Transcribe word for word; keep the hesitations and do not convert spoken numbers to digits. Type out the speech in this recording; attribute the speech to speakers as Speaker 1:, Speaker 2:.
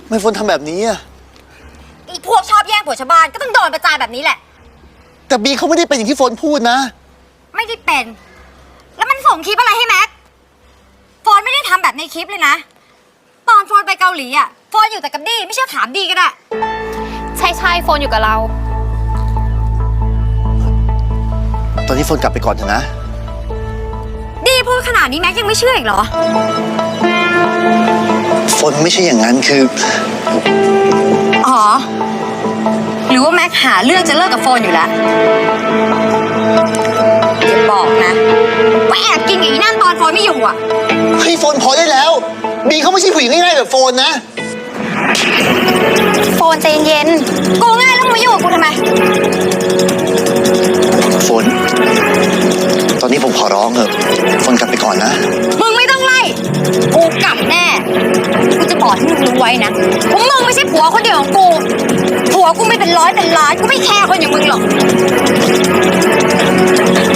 Speaker 1: ไม่ฝนทำแบบนี้อะ
Speaker 2: อีพวกชอบแย่งผัวชาวบ้านก็ต้องโดนประจานแบบนี้แหละ
Speaker 1: แต่บีเขาไม่ได้เป็นอย่างที่ฝนพูดนะ
Speaker 2: ไม่ได้เป็นแล้วมันส่งคลิปอะไรให้แม็กโฟนไม่ได้ทำแบบในคลิปเลยนะตอนโฟนไปเกาหลีอ่ะโฟนอยู่แต่กับดีไม่เชื่อถามดีก็ได้
Speaker 3: ใช่ใช่โฟนอยู่กับเรา
Speaker 1: ตอนนี้ฝนกลับไปก่อนเถอะนะ
Speaker 2: ดีพูดขนาดนี้แม็กยังไม่เชื่ออีกเหรอ
Speaker 1: ฝนไม่ใช่อย่างนั้นคือ
Speaker 2: อ๋อหรือว่าแม็กหาเรื่องจะเลิกกับโฟนอยู่แล้วอย่าบอกนะว่าแอบกินอย่างนี้นั่นตอนโฟนไม่อยู่อ่ะ
Speaker 1: เฮ้ยฝนพอได้แล้วบีเขาไม่ใช่ผู้หญิงง่ายๆแบบโฟนนะ
Speaker 3: โฟนใจเย็น
Speaker 2: กูง่ายแล้วมึงมายุ่งกับกูทำไม
Speaker 1: ฝนตอนนี้ผมขอร้องเถอะฝนกลับไปก่อนนะ
Speaker 2: มึงไม่ต้องไล่กูกลับแน่กูจะบอกให้มึงรู้ไว้นะว่ามึงไม่ใช่ผัวคนเดียวของกูผัวกูไม่เป็นร้อยเป็นล้านกูไม่แคร์คนอย่างมึงหรอก